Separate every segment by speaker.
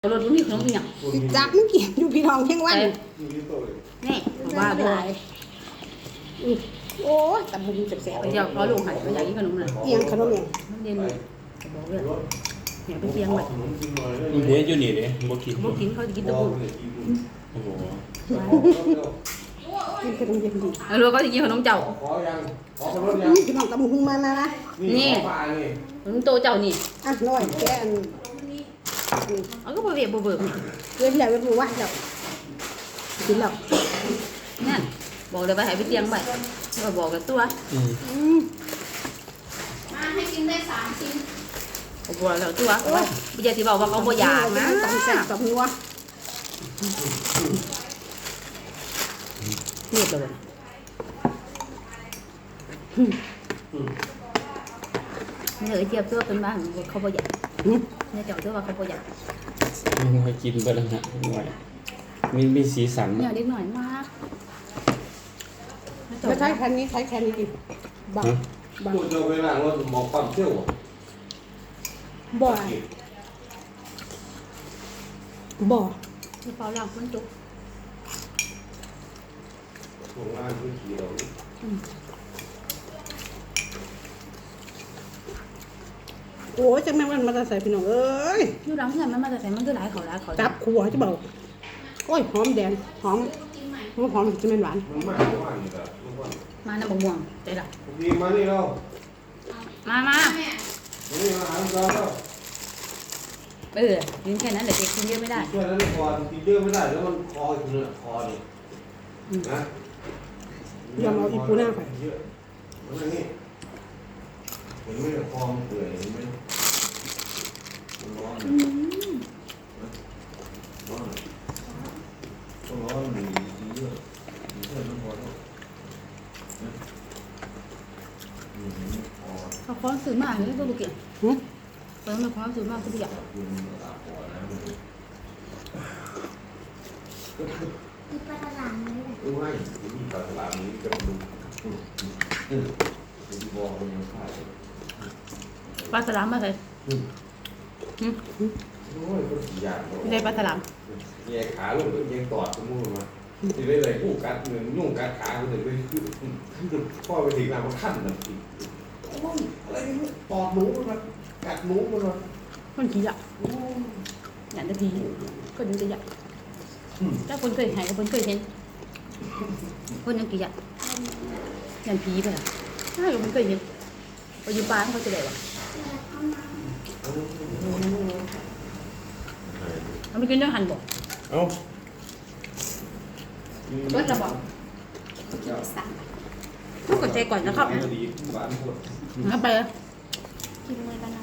Speaker 1: รถมันมีขนมอีกอย่าง
Speaker 2: จักมันเกี่ยอยู่พี่น้องเพียงวัน
Speaker 1: นี่ว่าบ่
Speaker 2: โอ้ยตำบุญแสบ
Speaker 1: ไปเดี๋ยวเขาลงหันไปอยากกินขนมเลย
Speaker 2: ๆเอียงขนมเอียง
Speaker 1: มันเด่นเลยบอกเลยเนี่ยไปเตียงไว้
Speaker 3: มันเดี๋ยวอยู่นี่เด้บ่กิน
Speaker 1: บ่กินเขาจะกินตะปู
Speaker 3: โอ้โห
Speaker 2: กินขนมเย็นดี
Speaker 1: แล้วเขาจะกินขนมเจ้า
Speaker 4: ขอยังขอขนมยัง
Speaker 2: พี่น้องตำบุญมานะ
Speaker 1: นี่
Speaker 4: ขอปลานี่
Speaker 1: ขนมโตเจ้านี่
Speaker 2: อ่ะน้อยแกอัน
Speaker 1: เอาก็บ่เวียบบ่เบิก
Speaker 2: เว้นแล้วเว้นว่าเจ้ากินแล้ว
Speaker 1: นั่นบอกเลยว่าให้ไปเตียงไว้ก็บอกกับตัว
Speaker 5: มาให้กินได้3 ชิ้น
Speaker 1: บอกแล้วตัวว่าบ่อยากสิบอกว่าเขาบ่อยากนะ
Speaker 2: ตำแซ่บตำนัว
Speaker 1: เรียบเลยนี่เลยเทียบตัวเป็นบ้านเขาบ่อยากเนี่ยเจ้าตัวว่าเขาบ่อยาก
Speaker 3: มันให้กินไปแล้วนะหน่อยมีสีสัน
Speaker 1: เนี่ยเล็กหน่อยมาก
Speaker 2: ไม่ใช่แค่นี้ใช้แค่นี้กินบังบัง
Speaker 4: พูดเจอเวลาเราหมอกความเที่ยว
Speaker 2: บ่อบ่อ
Speaker 1: มีเปล่าล่างคนจุก
Speaker 4: โรงงานพื้นที่เรา
Speaker 2: โอ้ยจังแม่งมันมาใส่พี่น้องเอ้ย
Speaker 1: อยู่หลังเพื่อนมันมาแต่ใส่มันก็หลายเขาหลายเขา
Speaker 2: จับขัวจะเบาโอ้ยหอมแดงหอมหอมจะเป็นหวาน
Speaker 4: มันมากกว่านี่แหละ
Speaker 1: มาน้ำบะม่วงใจละ
Speaker 4: ดีมานี่เรา
Speaker 1: มา
Speaker 5: แม่
Speaker 4: นี่มาหาเราแล้ว
Speaker 1: กินแค่นั้นแหละเด็กกินเยอะไม่ได้
Speaker 4: ช่วยนั้นคอกินเยอะไม่ได้แล้วมันคออยู่เนี่ยคอนี่นะเยอะมันนี่เห็นไหมคอมันเปื่อยเห็นไหมมันร้อนร้อนต้องร้อนดีเยอะเยอะมันพอแล้วพอ
Speaker 1: เขาคล้องซื้อมาอย่างนี้ก็บุกเกี่ย
Speaker 2: หึ
Speaker 1: ตอนนั้นคล้องซื้อมาก็บุกเกี่ย
Speaker 5: มีปลาตลาดไหมเนี่ย
Speaker 4: ไม่มีปลาตลาดนี้จะดูดูบอกมันยังขาย
Speaker 1: ปลาสลามมาใส่
Speaker 4: โอ้ยก็สีอย่าง
Speaker 1: ไม่ได้ปลาสลาม
Speaker 4: แยกขาลงก็ยังตอดสมมุติมาที่ได้เลยผู้กัดเงินยุ่งกัดขาก็เลยไปพ่อไปถึงน้ำมันขั้นน้ำอีกอะไรนี่ตอดหนูมันกัดหนูมัน
Speaker 1: คนขี้อ่ะอย่างตะพีก็ดูจะใหญ่ถ้าคนเคยหายกับคนเคยเห็นคนยังกี่อ่ะอย่างผีไปละถ้าคนเคยเห็นไปอยู่ป่าเขาจะได้วะมันไม่กินเรื่องหันบอก
Speaker 3: เอ้า
Speaker 1: เบิดระบอกต้องกดใจก่อนนะครับ
Speaker 4: ดีหวานหมด
Speaker 1: งั้นไปเลย
Speaker 5: กินเลยกันนะ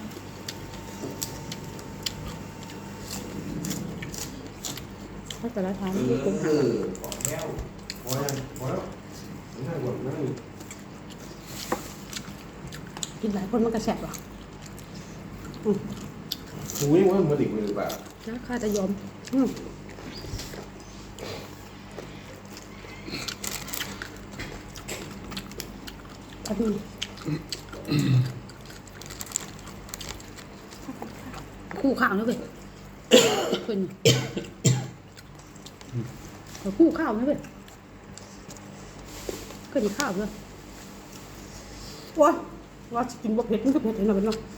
Speaker 1: ถ้าแต่ละทาง
Speaker 4: กุ้งหางขอแก้วพอแล้วพอแล้วนั่งก่อนนั่ง
Speaker 2: กินหลายคนมันกระแสบว่ะ
Speaker 4: อุ้ยว่ามันดิบเลยแบบ
Speaker 1: ถ้าข้าจะยอม
Speaker 2: อันนี้
Speaker 1: คู่ข้าวนะเว้ยคนคู่ข้าวนะเว้ยก็ดีข้าวเลย
Speaker 2: ว้าว่ากินบ่เผ็ดมันก็เผ็ดเห็นหน่อยเป็นเนาะ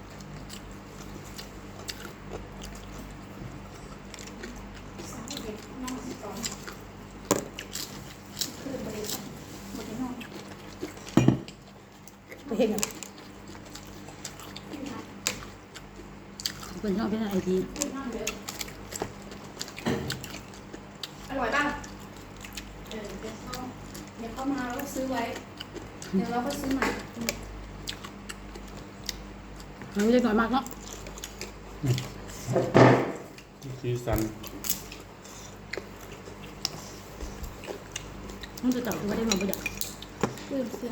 Speaker 5: น้อง12คือบริษัทบริโนอน
Speaker 2: ไปเห็นอ่ะ
Speaker 1: คนชอบเป็นไอที
Speaker 5: อร่อยป่ะเดี๋ยวเข้ามาแล้วซื้อไว้ เดี๋ยวเราก็ซื้อใหม่
Speaker 1: มันไม่ได้น้อยมากเนาะ
Speaker 3: สีสัน
Speaker 1: มันจะเต่าที่ว่าได้มาบ่อยาก
Speaker 5: ลืมเสื้อ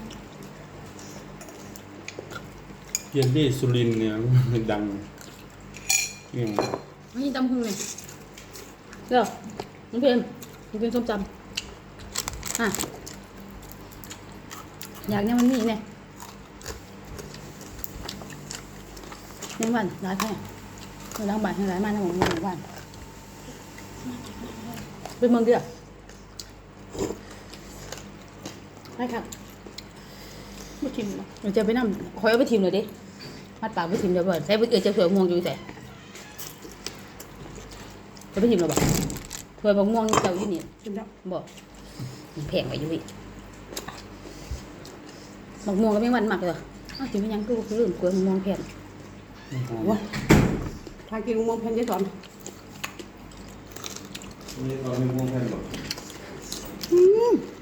Speaker 3: เยลลี่สุรินทร์เนี่ยดังอย่าง
Speaker 1: ไม่ยินตำพึ่งเลยเดี๋ยวน้องเพลน้องเพลส้มจำอยากเนี่ยมันมีเนี่ยยังวันร้ายแค่ ล้างบาทให้หลายมาในหมู่บ้านเป็นเมืองเดียวใช่ครับ
Speaker 2: ไม่ชิมนะ
Speaker 1: เราจะไปนั่งคอยเอาไปทิมเลยดิมัดปากไปทิมเดี๋ยวบ่ใส่ไปจะเผื่อม่วงอยู่แต่จะไปทิมเราบ่เผื่อม่วงเจ้าอยู่นี่
Speaker 2: ชิมแล้ว
Speaker 1: บ่แพงไปอยู่อีกบักม่วงก็ไม่วันมากเลยอ้าวจริงไม่ยังคือเรื่องกล้วยม่วงแพง
Speaker 2: ว้าทานกินมองแผ่นยายสอน
Speaker 4: นี่เราไม่ม่วงแผ่นหรอก
Speaker 2: อืม